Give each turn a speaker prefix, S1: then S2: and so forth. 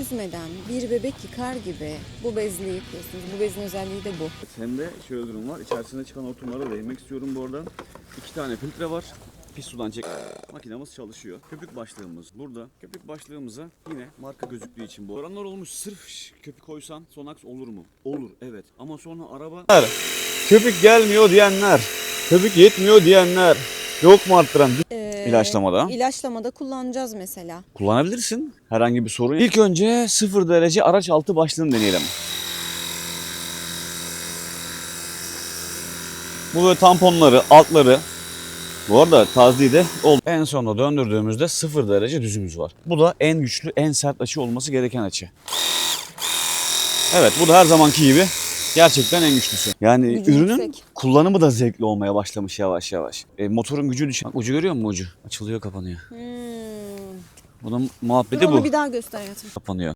S1: çözmeden bir bebek yıkar gibi bu bezle yıkıyorsunuz. Bu bezin özelliği de bu.
S2: Hem de şöyle durum var. İçerisinde çıkan hortumlara değinmek istiyorum bu arada. 2 tane filtre var. Pis sudan çek. Makinamız çalışıyor. Köpük başlığımız burada. Köpük başlığımıza yine marka gözüktüğü için bu. Oranlar olmuş sırf köpük koysan Sonax olur mu? Olur, evet. Ama sonra araba... Köpük gelmiyor diyenler, köpük yetmiyor diyenler, yok mu arttıran? İlaçlamada.
S1: İlaçlamada kullanacağız mesela.
S2: Kullanabilirsin. Herhangi bir sorun. İlk önce 0 derece araç altı başlığını deneyelim. Bu böyle tamponları, altları. Bu arada tazliği de oldu. En sonunda döndürdüğümüzde 0 derece düzümüz var. Bu da en güçlü, en sert açı olması gereken açı. Evet, bu da her zamanki gibi gerçekten en güçlüsü. Yani
S1: Gücü
S2: ürünün
S1: yüksek.
S2: kullanımı da zevkli olmaya başlamış yavaş yavaş. Motorun gücü düşüyor. Bak, ucu görüyor musun ucu? Açılıyor, kapanıyor. Bunun muhabbeti
S1: Dur onu
S2: bu.
S1: bir daha göster hayatım.
S2: Kapanıyor.